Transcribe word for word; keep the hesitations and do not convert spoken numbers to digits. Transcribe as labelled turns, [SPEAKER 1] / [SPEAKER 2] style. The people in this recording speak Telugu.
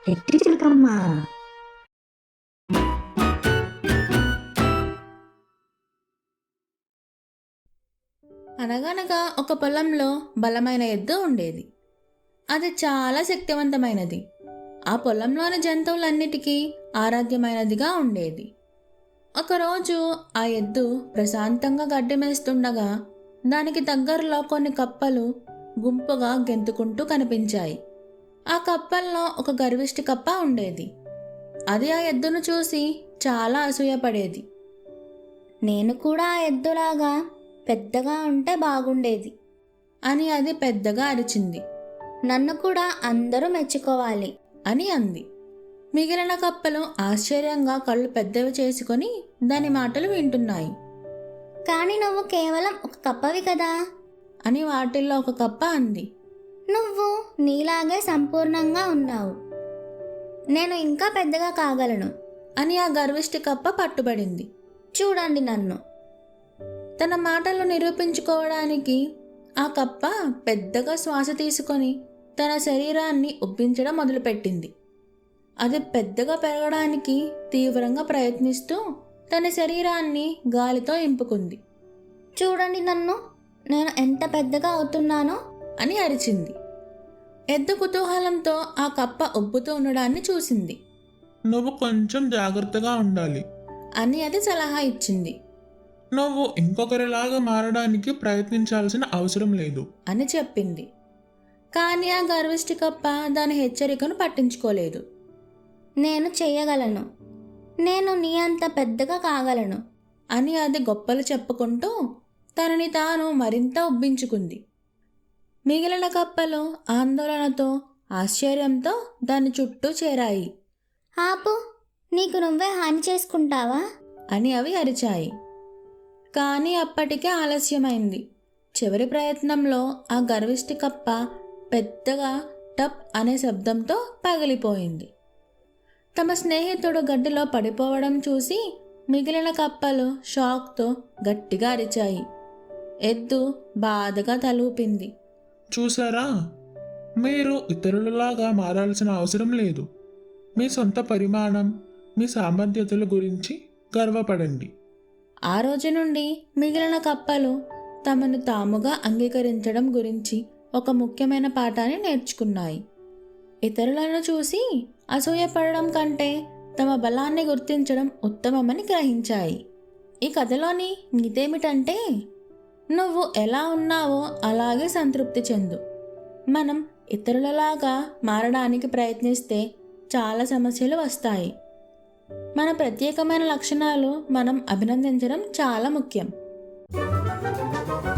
[SPEAKER 1] ఎట్టి చిలకమ్మ.
[SPEAKER 2] అనగనగా ఒక పొలంలో బలమైన ఎద్దు ఉండేది. అది చాలా శక్తివంతమైనది. ఆ పొలంలోని జంతువులన్నిటికీ ఆరాధ్యమైనదిగా ఉండేది. ఒకరోజు ఆ ఎద్దు ప్రశాంతంగా గడ్డి మేస్తుండగా దానికి దగ్గరలో కొన్ని కప్పలు గుంపుగా గెంతుకుంటూ కనిపించాయి. ఆ కప్పల్లో ఒక గర్విష్టి కప్ప ఉండేది. అది ఆ ఎద్దును చూసి చాలా అసూయపడేది.
[SPEAKER 3] నేను కూడా ఆ ఎద్దులాగా పెద్దగా ఉంటే బాగుండేది
[SPEAKER 2] అని అది పెద్దగా అరిచింది.
[SPEAKER 3] నన్ను కూడా అందరూ మెచ్చుకోవాలి
[SPEAKER 2] అని అంది. మిగిలిన కప్పలు ఆశ్చర్యంగా కళ్ళు పెద్దవి చేసుకొని దాని మాటలు వింటున్నాయి.
[SPEAKER 3] కానీ నువ్వు కేవలం ఒక కప్పవి కదా
[SPEAKER 2] అని వాటిల్లో ఒక కప్ప అంది.
[SPEAKER 3] నువ్వు నీలాగే సంపూర్ణంగా ఉన్నావు. నేను ఇంకా పెద్దగా కాగలను
[SPEAKER 2] అని ఆ గర్విష్టి కప్ప పట్టుబడింది.
[SPEAKER 3] చూడండి నన్ను.
[SPEAKER 2] తన మాటలు నిరూపించుకోవడానికి ఆ కప్ప పెద్దగా శ్వాస తీసుకొని తన శరీరాన్ని ఉబ్బించడం మొదలుపెట్టింది. అది పెద్దగా పెరగడానికి తీవ్రంగా ప్రయత్నిస్తూ తన శరీరాన్ని గాలితో ఇంపుకుంది.
[SPEAKER 3] చూడండి నన్ను, నేను ఎంత పెద్దగా అవుతున్నానో
[SPEAKER 2] అని అరిచింది. ఎద్దు కుతూహలంతో ఆ కప్ప ఉబ్బుతూ ఉండడాన్ని చూసింది.
[SPEAKER 4] నువ్వు కొంచెం జాగ్రత్తగా ఉండాలి
[SPEAKER 2] అని అది సలహా ఇచ్చింది.
[SPEAKER 4] నువ్వు ఇంకొకరిలాగా మారడానికి ప్రయత్నించాల్సిన అవసరం లేదు
[SPEAKER 2] అని చెప్పింది. కానీ ఆ గర్విష్టి కప్ప దాని హెచ్చరికను పట్టించుకోలేదు.
[SPEAKER 3] నేను చెయ్యగలను, నేను నీ అంత పెద్దగా కాగలను
[SPEAKER 2] అని అది గొప్పలు చెప్పుకుంటూ తనని తాను మరింత ఉబ్బించుకుంది. మిగిలిన కప్పలు ఆందోళనతో ఆశ్చర్యంతో దాని చుట్టూ చేరాయి.
[SPEAKER 3] ఆపు, నీకు నువ్వే హాని చేసుకుంటావా
[SPEAKER 2] అని అవి అరిచాయి. కానీ అప్పటికే ఆలస్యమైంది. చివరి ప్రయత్నంలో ఆ గర్విష్టి కప్ప పెద్దగా టప్ అనే శబ్దంతో పగిలిపోయింది. తమ స్నేహితుడు గడ్డిలో పడిపోవడం చూసి మిగిలిన కప్పలు షాక్తో గట్టిగా అరిచాయి. ఎద్దు బాధగా తలూపింది.
[SPEAKER 4] చూసారా, మీరు ఇతరులలాగా మారాల్సిన అవసరం లేదు. మీ సొంత పరిమాణం, మీ సామర్థ్యతల గురించి గర్వపడండి.
[SPEAKER 2] ఆ రోజు నుండి మిగిలిన కప్పలు తమను తాముగా అంగీకరించడం గురించి ఒక ముఖ్యమైన పాఠాన్ని నేర్చుకున్నాయి. ఇతరులను చూసి అసూయపడడం కంటే తమ బలాన్ని గుర్తించడం ఉత్తమమని గ్రహించాయి. ఈ కథలోని నీతేమిటంటే, నువ్వు ఎలా ఉన్నావో అలాగే సంతృప్తి చెందు. మనం ఇతరులలాగా మారడానికి ప్రయత్నిస్తే చాలా సమస్యలు వస్తాయి. మన ప్రత్యేకమైన లక్షణాలు మనం అభినందించడం చాలా ముఖ్యం.